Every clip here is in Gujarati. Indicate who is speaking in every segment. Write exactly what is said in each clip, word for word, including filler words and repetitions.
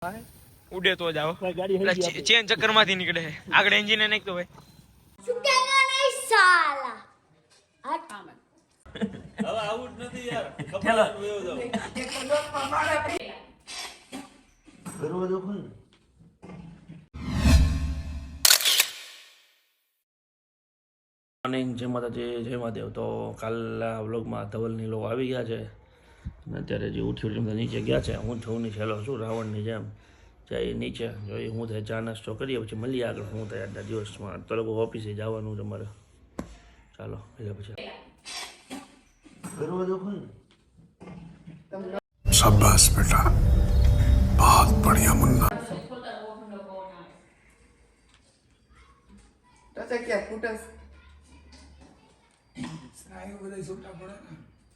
Speaker 1: ઉડે તો જાઓ ચેન ચક્કર માંથી નીકળે આગળ એન્જિન નાખ તો ભાઈ
Speaker 2: સુકેગા નહીં સાલા હટ
Speaker 3: હવે આઉટ નથી યાર ખબર વેવ જાવ દરવાજો ખોલ
Speaker 4: મોર્નિંગ જય માતાજી જય મહાદેવ. તો કાલના વ્લોગમાં ધવલની લોકો આવી ગયા છે અને અત્યારે જે ઉઠી ઉઠી નીચે ગયા છે. હું છું ની છેલ્લો છું રાવણની જેમ જઈ નીચે જોઈ હું તો ચા નાસ્તો કરીએ પછી મળીએ આગળ. હું તો આજના દિવસમાં તો લોકો ઓફિસે જવાનું છે મારે. ચાલો એટલે પછી
Speaker 3: દરવાજો ખોલ
Speaker 5: शाबाश बेटा बहुत बढ़िया मुन्ना
Speaker 6: તો તે કે ફૂટસ
Speaker 5: सारे बधाई सुट्टा पड़े ना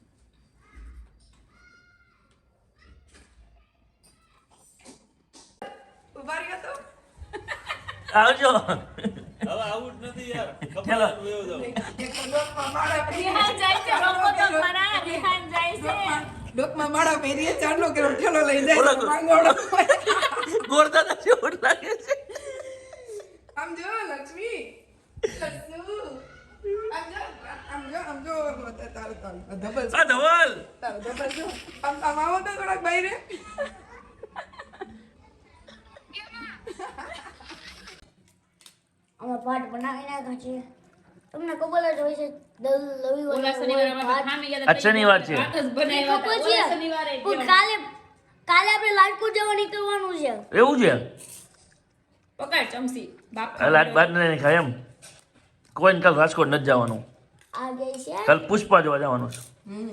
Speaker 6: ઉભા રહ્યો તો
Speaker 4: આવજો.
Speaker 3: હવે આઉટ નથી યાર ખબર વેવ જાવ
Speaker 6: એક લોકમાં માળા
Speaker 2: રિહાન જાય છે લોકો તો ખરા રિહાન જાય છે
Speaker 6: લોકમાં માળા પહેરીએ ચાંદલો કેરો ઠેલો લઈ
Speaker 4: બોલો.
Speaker 6: જાય માંગોળો
Speaker 4: ગોરદાદા જેવું લાગે છે.
Speaker 6: આમ જો લક્ષ્મી લક્ષ્મુ આમ જો આમ જો આમ જો તાર તાર ધબલ
Speaker 4: આ ધવલ
Speaker 6: તાર ધબલ જો આમ આમ આવો તો થોડાક બહાર
Speaker 2: અમે પાઠ બનાવી નાખ્યા છે તમને ખબર જ હોય છે દલ રવિવાર
Speaker 7: ઓલા શનિવારે અમે ખામી ગયા
Speaker 4: આજ શનિવાર છે.
Speaker 7: પાઠ જ બનાવ્યા હતા.
Speaker 2: ખબર છે
Speaker 7: ઓલા શનિવારે
Speaker 2: પણ કાલે કાલે આપણે લાલપુર જવા નીકળવાનું છે
Speaker 4: એવું છે.
Speaker 7: પકડ ચમચી બાપ
Speaker 4: હાલ આજ બાદ નહીં ખાય એમ કોઈને કાલ રાજકોટ નથી જવાનું.
Speaker 2: આ ગઈ છે
Speaker 4: કાલ પુષ્પા જોવા જવાનું છે.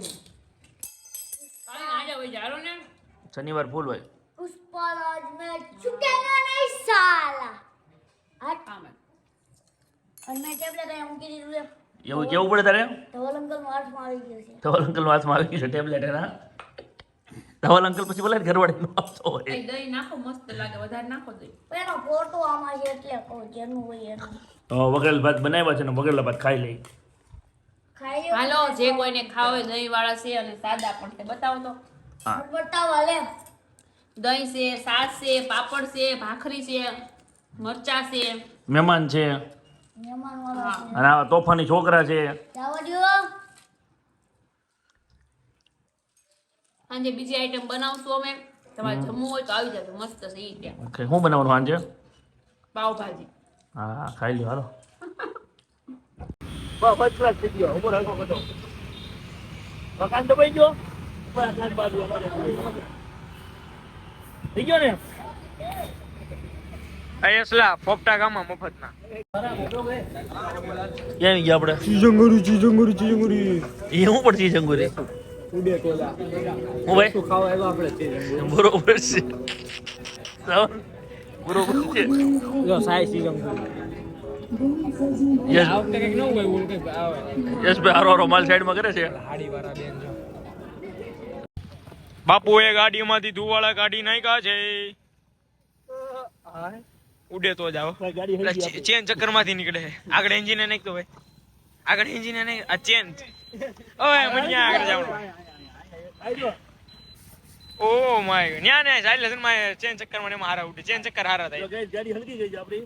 Speaker 7: કાલે આજે હોય જારો ને
Speaker 4: શનિવાર ફૂલ હોય.
Speaker 2: પુષ્પરાજ મેં ચૂકેગા નહીં સાલા હટ
Speaker 7: આમ
Speaker 2: અને મેં ટેબ્લેટ અહીંયા મૂકી દીધું છે
Speaker 4: એવું કેવું પડે તારે?
Speaker 2: ધવલ અંકલ હાથમાં આવી ગયો છે
Speaker 4: ધવલ અંકલ હાથમાં આવી ગયું છે ટેબ્લેટ એના. ધવલ અંકલ પછી બોલે ઘરવાળી નો આપતો હોય.
Speaker 7: એ દહીં નાખો મસ્ત લાગે વધારે નાખો દહીં
Speaker 2: પણ એનો ફોટો આમાં છે એટલે કહું જેનું હોય એનું
Speaker 4: તો વગેરે ભાત બનાવ્યા છે ને વગેરે ભાત ખાઈ લઈ.
Speaker 2: ખાઈ લ્યો
Speaker 7: હાલો જે કોઈને ખાવ હોય દહીં વાળા છે અને સાદા પણ છે બતાવો તો
Speaker 4: હા
Speaker 2: બતાવો લે
Speaker 7: દહીં છે સાસ છે પાપડ છે ભાખરી છે મરચા છે
Speaker 4: મહેમાન છે
Speaker 2: મહેમાન વાળા છે
Speaker 4: અને આવા તોફાની છોકરા છે.
Speaker 2: જવા દ્યો
Speaker 7: સાંજે બીજી આઈટમ બનાવશું અમે તમારે જમવું હોય તો આવી જજો મસ્ત છે ઈ ત્યાં
Speaker 4: ઓકે શું બનાવવાનું સાંજે?
Speaker 7: પાવભાજી
Speaker 4: હા ખાઈ લ્યો હાલો. ફર્સ્ટ ક્લાસ થઈ ગયો ઉપર હલકો બધો મકાન તો પડી ગયો થઈ ગયો ને.
Speaker 1: અયસલા પોપટા ગામમાં મફતના
Speaker 4: ક્યાં ગયા આપણે?
Speaker 1: ચીજંગુરી ચીજંગુરી ચીજંગુરી
Speaker 4: એ શું પડશે જંગુરી?
Speaker 1: ઉડે ટોલા
Speaker 4: હું ભાઈ
Speaker 1: શું ખાવા આવ્યા આપણે
Speaker 4: બરોબર છે શ્રાવણ, બરોબર છે.
Speaker 1: જો સાઈ ચીજંગુરી
Speaker 4: યસ
Speaker 1: આ વખતે કંઈક નવું હોય એવું કંઈક આવે
Speaker 4: યસ ભાઈ હારો હારો માલ સાઈડમાં કરે છે.
Speaker 1: હાડી વાળા બેન જો બાપુએ ગાડીમાંથી ધુવાળા કાઢી નાખ્યા છે ઉડે તો જાઓ ચેન ચક્કર માંથી નીકળે આગળ એન્જિન નાખ તો ભાઈ આગળ એન્જિન નાખ આ ચેન ઓય મને આગળ જવાનું ઓ માય ન્યા ને સાઈલેશન માં ચેન ચક્કર મને મારા ઉડે ચેન ચક્કર હારા થાય
Speaker 4: ગાડી હલકી ગઈ છે આપણી.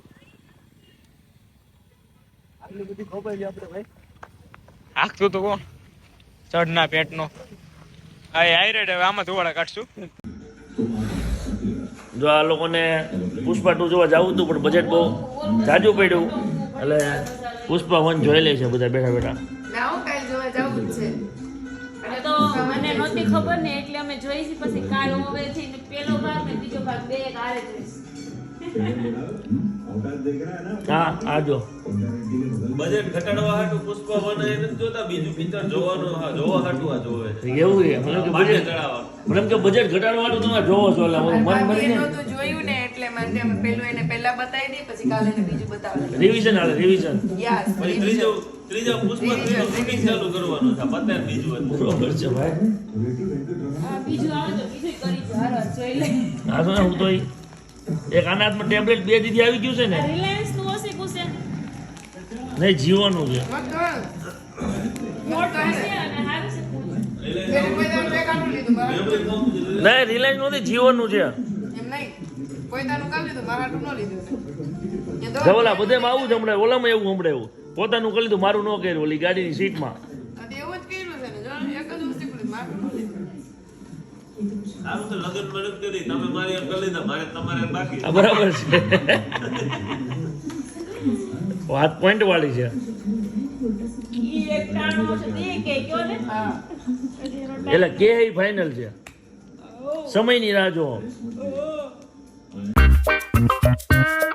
Speaker 4: આટલી બધી ખોપાઈ છે આપણે ભાઈ.
Speaker 1: આખતું તો કોણ ચડના પેટનો આ હાઈરેડ હવે આમાં ધુવાળા કાઢશું
Speaker 4: જો આ લોકોને પુષ્પા ટુ જોવા જવું હતું પણ બજેટ બહુ જાજુ પડ્યું એટલે પુષ્પા વન જોઈ લે છે બધા બેઠા બેઠા.
Speaker 6: ના હું કાલ જોવા જાવું જ છે
Speaker 7: અને તો મને નહોતી ખબર ને એટલે અમે જોઈશી પછી કાલ હવે છે ને પેલો ભાગ ને બીજો ભાગ બે કાલે જોઈશ
Speaker 4: હા આ જો
Speaker 3: બજેટ ઘટાડવા હાટુ પુષ્પા વન એ નથી જોતા બીજું પિક્ચર જોવાનું હા જોવા હાટુ આ જોવે છે
Speaker 4: એવું છે મને કે
Speaker 3: માટે
Speaker 4: બજેટ
Speaker 3: ચડાવવા
Speaker 4: મને એમ કે બજેટ ઘટાડવાનું તમે જોવો છો એટલે મારું મન મરી
Speaker 6: એનો
Speaker 4: જાય.
Speaker 6: તો જોયું ને એટલે મને અમે પેલું એને પહેલા બતાવી દઈ પછી કાલે એને બીજું બતાવે
Speaker 4: રિવિઝન હાલે રિવિઝન.
Speaker 6: યસ
Speaker 3: પછી ત્રીજો ત્રીજો પુષ્પા ત્રીજું શૂટિંગ ચાલુ કરવાનું છે પતે બીજું હતું.
Speaker 4: બરોબર છે ભાઈ.
Speaker 7: હા બીજું આવે તો બીજું કરી જો હાલો જોઈ લે
Speaker 4: આ તો ને હું તો ઈ- એક આના હાથમાં ટેબ્લેટ બે દીધી આવી ગયું છે ને
Speaker 7: રિલાયન્સ નું હશે કુશે
Speaker 4: નહીં જીવવાનું છે.
Speaker 7: મોટું છે અને હારું છે
Speaker 4: નહીં રિલાયન્સ નથી જીવવાનું છે.
Speaker 6: એમ નહીં પોતાનું કામ લીધું મારા હાટું ન લીધું એ દવા
Speaker 4: ધવલ આ બધેમાં આવું જ હમણાં ઓલામાં એવું હમણાં પોતાનું કરી લીધું મારું ન કર્યું ઓલી ગાડીની સીટમાં
Speaker 6: આ તો એવું જ કર્યું છે ને જો એક જ વસ્તુ કરી મારું ન લીધું
Speaker 3: સારું તો લગ્ન મદદ કરી તમે મારી એમ કરી લીધા મારે તમારે બાકી
Speaker 4: આ બરાબર છે વાત પોઈન્ટ વાળી છે
Speaker 7: ઈ એક ટાણો છે તે કે કયો ને
Speaker 6: હા
Speaker 4: એટલે કે ફાઇનલ છે સમયની રાહ જો
Speaker 7: ઓ